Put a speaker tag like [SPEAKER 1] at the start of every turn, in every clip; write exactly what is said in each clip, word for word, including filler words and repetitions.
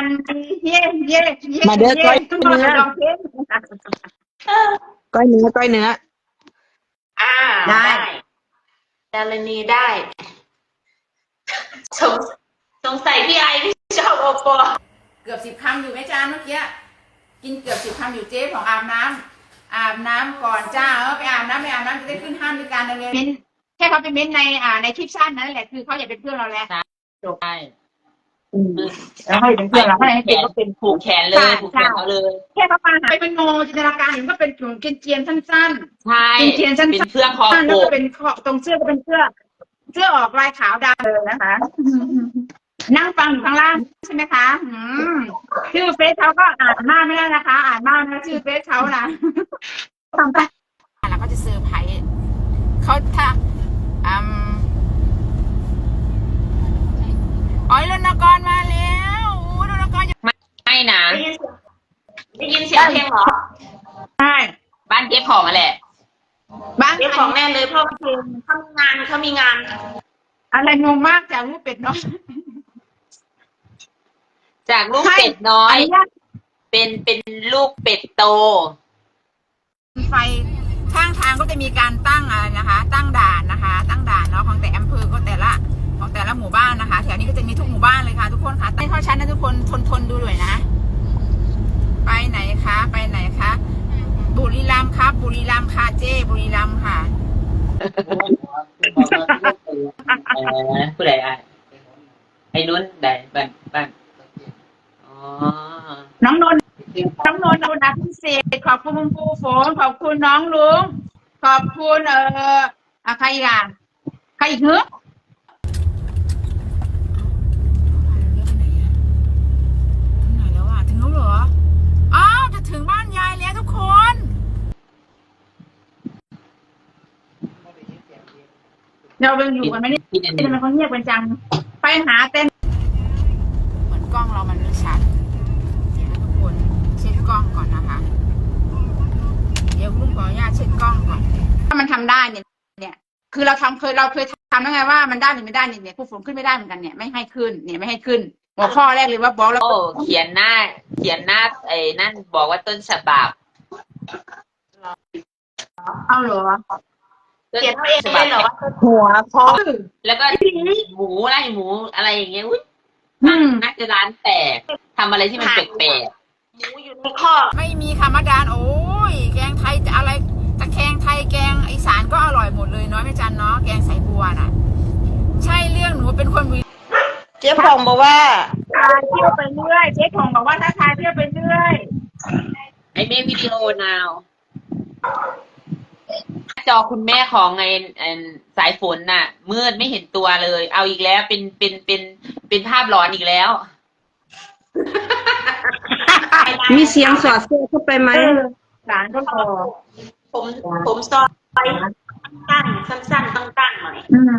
[SPEAKER 1] เย่เย่เย่
[SPEAKER 2] มาเด้อก้อยเนื้อ
[SPEAKER 1] ลองเพลง
[SPEAKER 2] ก้อยเนื้อก้อยเนื้อ
[SPEAKER 3] อ่าได้ดารณีได้สงสงสัยพี่ไอที่ชอบโอปอ
[SPEAKER 1] เกือบสิบคำอยู่ไหมจานเมื่อกี้กินเกือบสิบคำอยู่เจ๊ของอาบน้ำอาบน้ำก่อนจ้าเออไปอาบน้ำไปอาบน้ำจะได้ขึ้นห้ามด้วยการดำเนินแค่เขาไปเม้นในอ่าในคลิปสั้นนั่นแหละคือเขาอยากเป็นเพื่อนเราแล้วจบ
[SPEAKER 3] ใช่
[SPEAKER 1] แล้วให้เป็นเพื่อนเราให้เป็นก็เป็น
[SPEAKER 3] ผูกแขนเลยผูกแขนเขาเลย
[SPEAKER 1] แค่เขามาหาไปเป็นโนจินตนาการเห็นก็เป็นกลุ่มเจียนๆสั้นๆ
[SPEAKER 3] ใช่
[SPEAKER 1] เจียนๆสั้นๆ
[SPEAKER 3] เป็นเสื้อคอ
[SPEAKER 1] แล้
[SPEAKER 3] โป
[SPEAKER 1] วก็
[SPEAKER 3] ก
[SPEAKER 1] เป็นข้อตรงเสื้อก็เป็นเสื้อเสื้อออกลายขาวดำเลยนะคะนั่งฟังอยู่ข้างล่างใช่ไหมคะอืมชื่อเฟซเขาก็อ่านมากไม่ได้นะคะ อ่านมากนะชื่อเฟซเขานะทำไปแล้วก็จะเซอร์ไพรส์เขาถ้าอืมอ๋อรณกรมาแล้วโอ้รณกร
[SPEAKER 3] ไม่นะได้ยินเสียงเพลงเหรอ
[SPEAKER 1] ใช่
[SPEAKER 3] บ้านเก็บของมาแหละ
[SPEAKER 1] บ้าน
[SPEAKER 3] เก็บของแน่เลยเพราะเพลงเขามีงานเขามีงาน
[SPEAKER 1] อะไรงงมากจากรูปเป็ดน้อย
[SPEAKER 3] จากลูกเป็ดน้อย
[SPEAKER 1] อนุญาต
[SPEAKER 3] เป็นเป็นลูกเป็ดโต
[SPEAKER 1] ไฟข้างทางก็จะมีการตั้งอะไรนะคะ ตั้งด่านนะคะ ตั้งด่านเนาะของแต่อำเภอก็แต่ละของแต่ละหมู่บ้านนะคะแถวนี้ก็จะมีทุกหมู่บ้านเลยค่ะทุกคนค่ะตั้งเข้าชั้นนะทุกคนทนทนดูด้วยนะไปไหนคะไปไหนคะบุรีรัมย์ครับบุรีรัมย์ค่ะเจ้บุรีรัมย์ค่ะ
[SPEAKER 3] เออผู้ใดอ่ะไอ้นุ่นใดบ้านบ้านอ๋อ
[SPEAKER 1] น้องนนท์น้องนนท์นนท์พิเศษขอบคุณคุณครูฝนขอบคุณน้องลุงขอบคุณเอ่ออะใครอีกอ่ะใครอีกเหรอถึงไหนแล้วอ่ะถึงแล้วเหรออ้าวจะถึงบ้านยายแล้วทุกคนเราเป็นอยู่กันไหมเนี่ย
[SPEAKER 3] พี่เดน
[SPEAKER 1] ทำไมเขาเงียบกันจังไปหาเต้นเหมือนกล้องเรามันไม่ชัดเดี๋ยวนะทุกคนเช็ดกล้องก่อนนะคะเดี๋ยวลุงขออนุญาตเช็ดกล้องก่อนถ้ามันทำได้เนี่ยเนี่ยคือเราทำเคยเราเคยทำแล้วไงว่ามันได้หรือไม่ได้เนี่ยเนี่ยผู้ฝนขึ้นไม่ได้เหมือนกันเนี่ยไม่ให้ขึ้นเนี่ยไม่ให้ขึ้นหัวข้อแรกเลยว่าบล็อกแล้ว
[SPEAKER 3] โอ้เขียนหน้า เขียนหน้าไอ้นั่นบอกว่าต้นฉบับ
[SPEAKER 1] เอาเหรอ
[SPEAKER 3] ต้น
[SPEAKER 1] เขียนเอง
[SPEAKER 3] ฉบับ
[SPEAKER 1] เหรอ
[SPEAKER 2] หัวพอ
[SPEAKER 3] แล้วก็หมูไล่หมูอะไรอย่างเงี้ยอุ้ย
[SPEAKER 1] อืม
[SPEAKER 3] น่าจะร้านแตกทำอะไรที่มันแปลก
[SPEAKER 1] หมูอยู่ในข้อไม่มีคำว่าดานโอ้ยแกงไทยจะอะไรตะแคงไทยแกงอีสานก็อร่อยหมดเลยเนาะแม่จันเนาะแกงใส่บัวน่ะ ใช่เรื่องหนูเป็นคนวิ
[SPEAKER 2] เจ๊พองบอกว่า
[SPEAKER 1] ทายเที่ยวไปเรื่อยเจ๊ทองบอกว่าถ้าทายเที่ยวไปเรื่อย
[SPEAKER 3] ๆไอ้เมฆวิดีโอนาวจอคุณแม่ของไอ้ไอ้สายฝนน่ะมืดไม่เห็นตัวเลย เอาอีกแล้วเป็นเป็นเป็นเป็นภาพหลอนอีกแล้ว
[SPEAKER 2] มีเสียงสอดแทรกเข้าไปไหม
[SPEAKER 1] หลานก็พอ
[SPEAKER 3] ผมผมซอยสั้นสั้นสั้นตั้งตั้งหน่อย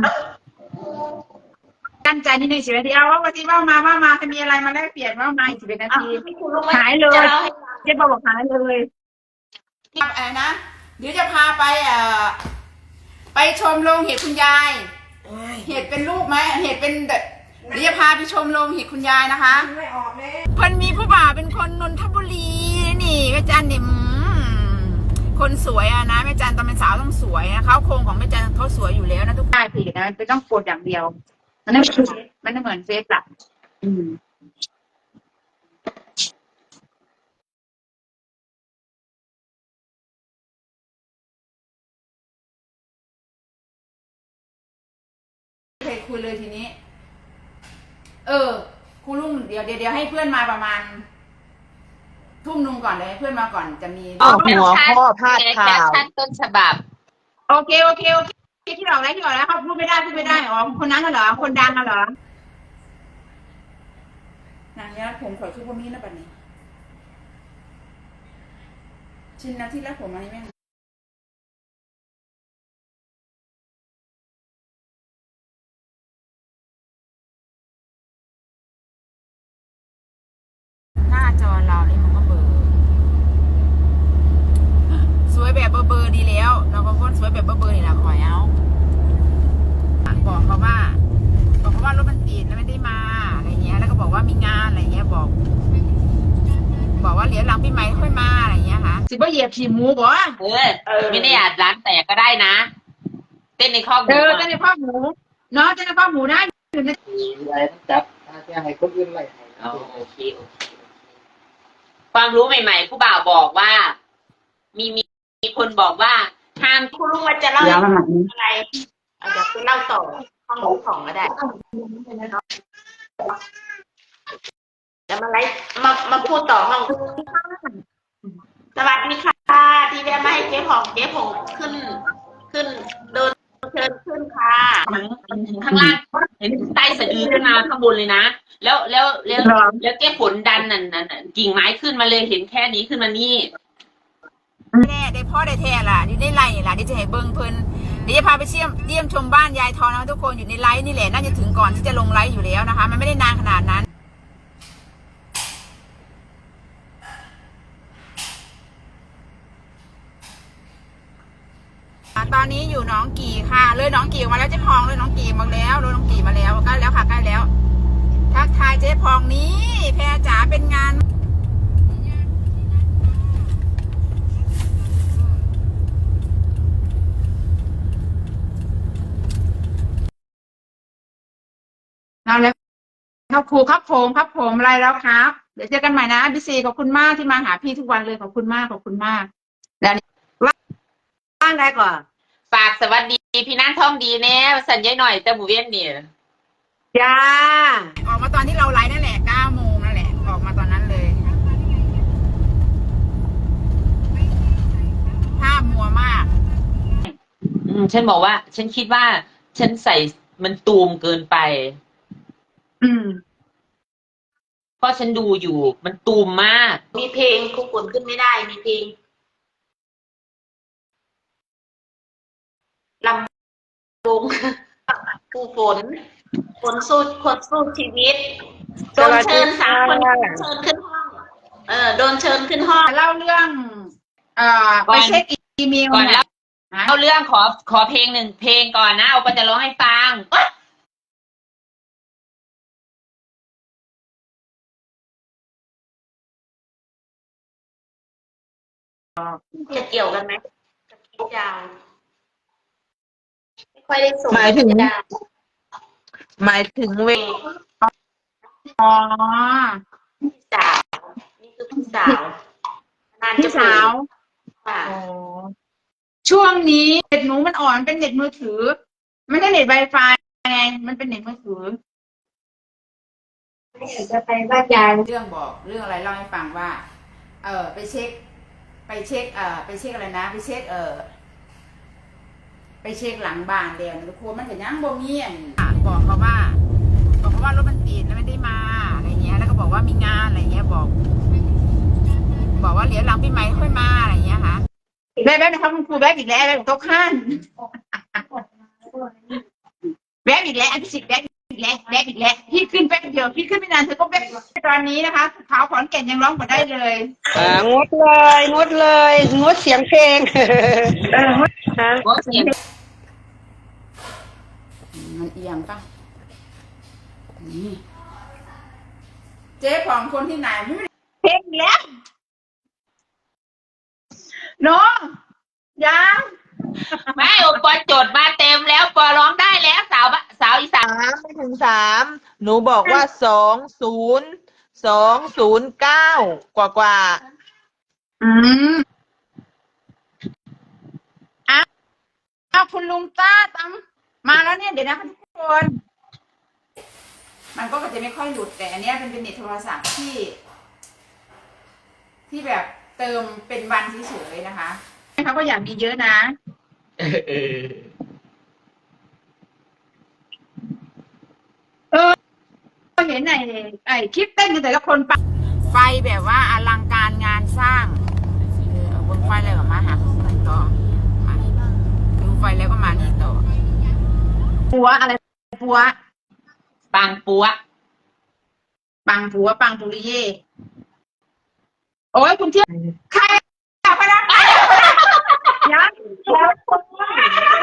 [SPEAKER 1] กั้นใจนิดนึงสิบนาทีเอาว่าวันที่ว่ามาว่ามาจะมีอะไรมาแลกเปลี่ยนว่ามาอีกสิบนาทีหายเลยเจ๊บอกหายเลยอะไรนะเดี๋ยวจะพาไปเอ่อไปชมโรงเห็ดคุณยายเห็ดเป็นลูกไหมเห็ดเป็นแบบเดี๋ยวจะพาไปชมโรงเห็ดคุณยายนะคะเพิ่นมีผู้บ่าวเป็นคนนนทบุรีนี่แม่จันเนี่ยคนสวยอะนะแม่จันตอนเป็นสาวต้องสวยนะเขาโครงของแม่จันเขาสวยอยู่แล้วนะทุกท่านผิดนะมันต้องกดอย่างเดียวมันไม่มันไม่เหมือนเฟซอะอืมเคยคุยเลยทีนี้เออครูลุงเดี๋ยวเดี๋ยวเดี๋ยวให้เพื่อนมาประมาณทุ่มนึงก่อนเลยให้เพื่อนมาก่อนจะมี
[SPEAKER 2] อ๋อหัวข้อพาดข่าว
[SPEAKER 3] แคปชั่นต้นฉบับ
[SPEAKER 1] โอเคโอเคโอเคที่บอกแล้วที่บอกแล้วเขาพูดไม่ได้พูดไม่ได้อ๋อคนนั้นเหรอคนดังเหรอนางเนี้ยผมขอชุบพวกนี้นะปัดนี้ชิ้นนาที่แรกผมอันนี้แม่งหน้าจอเรานี่มันก็เบอร์สวยแบบเบอร์เบอร์ดีแล้วเราก็คนสวยแบบเบอร์เบอร์นี่แหละขอยเอาบอกเขาว่าบอกเขาว่ารถมันติดแล้วไม่ได้มาอะไรเงี้ยแล้วก็บอกว่ามีงานอะไรเงี้ยบอกสิบ่เหยียบขี่หมูบ่
[SPEAKER 3] เออไม่ได้อาจร้านแตกก็ได้นะ เต้นในคอกห
[SPEAKER 1] เอ
[SPEAKER 3] มู
[SPEAKER 1] อ
[SPEAKER 3] อะ
[SPEAKER 1] เต้นในข้อหมูเนาะเต้นในข้อหมูนะอยู่ใน
[SPEAKER 4] อะไรต้องจับถ้าจะให้คนอื่นไล่ให้
[SPEAKER 3] เอาโอเคโอเคความรู้ใหม่ๆผู้บ่าวบอกว่า มีมีมีคนบอกว่าห้าม
[SPEAKER 5] คุณลุงว่าจะเล่า
[SPEAKER 2] เดี๋ยวมา
[SPEAKER 5] อะไรเอาเดี๋ยวคุณเล่าต่อห้องของก็ได้จะมาไลฟ์มามาพูดต่อห้องสวัสดีค่ะที่แวะมาให้เจ๊ผ่องเจ๊ผ่องขึ้น ขึ้นโดนเชิญขึ้นค่ะ
[SPEAKER 3] ข้างล่างเห็นใต้สะดือขึ้นมาข้างบนเลยนะแล้วแล้วแล้วแล้วแก้ฝนดันนั่นนั่นกิ่งไม้ขึ้นมาเลยเห็นแค่นี้ขึ้นมานี่
[SPEAKER 1] แน่ได้พ่อได้แท้ล่ะนี่ได้ไล่ล่ะนี่จะให้เบิ่งเพิ่นเดี๋ยวจะพาไปเชี่ยมเยี่ยมชมบ้านยายทองนะทุกคนอยู่ในไลฟ์นี่แหละน่าจะถึงก่อนที่จะลงไลฟ์อยู่แล้วนะคะ มันไม่ได้นานขนาดนั้นตอนนี้อยู่หนองกี่ค่ะเลยหนองกี่ออกมาแล้วเจ๊พองเลยหนองกี่มาแล้วเลยหนองกี่มาแล้วใกล้แล้วค่ะใกล้แล้วทักทายเจ๊พองนี้แพรจ๋าเป็นงานเอาเลยครับครูครับผมครับผมอะไรแล้วครับเดี๋ยวเจอกันใหม่นะพี่ซีขอบคุณมากที่มาหาพี่ทุกวันเลยขอบคุณมากขอบคุณมากแล้ว
[SPEAKER 2] บ้านได้ก่อน
[SPEAKER 3] ฝากสวัสดีพี่นั่งท่องดีแน่สัญญาหน่อยแต่หมูเวียนเนี่ย
[SPEAKER 2] จ้า
[SPEAKER 1] ออกมาตอนที่เราไลฟ์นั่นแหละเก้าโมงนั่นแหละออกมาตอนนั้นเลยภาพมัวมาก
[SPEAKER 3] อืมฉันบอกว่า ฉันคิดว่า ฉันใส่มันตูมเกินไป
[SPEAKER 1] อืม
[SPEAKER 3] เพราะฉันดูอยู่มันตูมมาก
[SPEAKER 5] มีเพลงคุกคุนขึ้นไม่ได้มีเพลงลำลงผู้ฝนฝนสู้คนสู้ชีวิตโดนเชิญสามคนเชิญขึ้นห้องเออโดนเชิญขึ้นห้อง
[SPEAKER 1] เล่าเรื่อง เอ่อ
[SPEAKER 3] ก่
[SPEAKER 1] ไป
[SPEAKER 3] อน
[SPEAKER 1] เช็คอีเมล
[SPEAKER 3] ก่อน
[SPEAKER 1] เนี่
[SPEAKER 3] แล้
[SPEAKER 1] ยว ฮะ
[SPEAKER 3] เอาเรื่องขอขอเพลงหนึ่งเพลงก่อนนะเอาก็จะร้องให้ฟัง
[SPEAKER 5] จะเกี่ยวกันไหมกับคิดยาวไม่ค่อยได้ส่ง
[SPEAKER 2] หมายถึง
[SPEAKER 5] ดาว
[SPEAKER 2] หมายถึงเว
[SPEAKER 1] อ๋อ
[SPEAKER 5] พี่สาวนี่คือพี่สาวนาน
[SPEAKER 1] พี่
[SPEAKER 5] จะ
[SPEAKER 1] สาว
[SPEAKER 5] ค่ะ
[SPEAKER 1] อ๋อช่วงนี้เน็ตหนูมันอ่อนเป็นเน็ตมือถือไม่ใช่เน็ต Wi-Fi ไงมันเป็นเน็ตมือถือ
[SPEAKER 5] จะไปบ้านยาย
[SPEAKER 1] เรื่องบอกเรื่องอะไรเล่าให้ฟังว่า เออไปเช็ค ไปเช็ค เอ่อไปเช็คอะไรนะ ไปเช็ค เออไปเช็คหลังบ้านเดียวทุกคนมันจะยังบ่มีอันบอกเขาว่าบอกเขาว่ารถมันติดแล้วไม่ได้มาอะไรเงี้ยแล้วก็บอกว่ามีงานอะไรเงี้ยบอก บอกว่าเดี๋ยวหลังปีใหม่ค่อยมาอะไรเงี้ยค่ะแบ๊บแบ๊บนะครับคุณครูแบ๊บอีกแล้วแบ๊บโต๊ะข้านแบ๊บอีกแล้วอันที่สิบแบ๊บอีกแล้วแบ๊บอีกแล้วพี่ขึ้นแป๊บเดียวพี่ขึ้นไม่นานเธอก็แบ๊บตอนนี้นะคะขาวขอนแก่นยังร้องหมดได้เลย
[SPEAKER 2] อ่างดเลยงดเลยงดเสียงเพลงฮะ
[SPEAKER 3] โอ้เสียง
[SPEAKER 1] มันเอียงปะนี่เจ๊ของคนที่ไหนไม่ได้เพลงแล้วเนาะยัง
[SPEAKER 3] ไม่โอปอโจทย์มาเต็มแล้วปอร้องได้แล้วสาวบะสาวอีสาน
[SPEAKER 2] สามไม่ถึงสามหนูบอกว่าสองศูนย์สองศูนย์เก้ากว่ากว่า
[SPEAKER 1] อืมอ้าวคุณลุงต้าตามมาแล้วเนี่ยเดี๋ยวนะคะทุกคน มันก็จะไม่ค่อยหลุดแต่อันเนี้ยเป็นเป็นเน็ตโทรศัพท์ที่ ที่แบบเติมเป็นวันเฉยๆนะคะเขาก็อยากมีเยอะนะ
[SPEAKER 3] เออ
[SPEAKER 1] ก็เห็นไอ้ไอ้คลิปเต้นกันแต่ละคนปะไฟแบบว่าอลังการงานสร้างเออเอาบนไฟอะไรแบบมาหาคนต่อมาดูไฟแล้วก็มานี่ต่อปัวอะไรปัว
[SPEAKER 3] ปังปัว
[SPEAKER 1] ปังปัวปังปุริเย่โอ้ยคุณเที่ยวใครอ่ะพนักงานยัง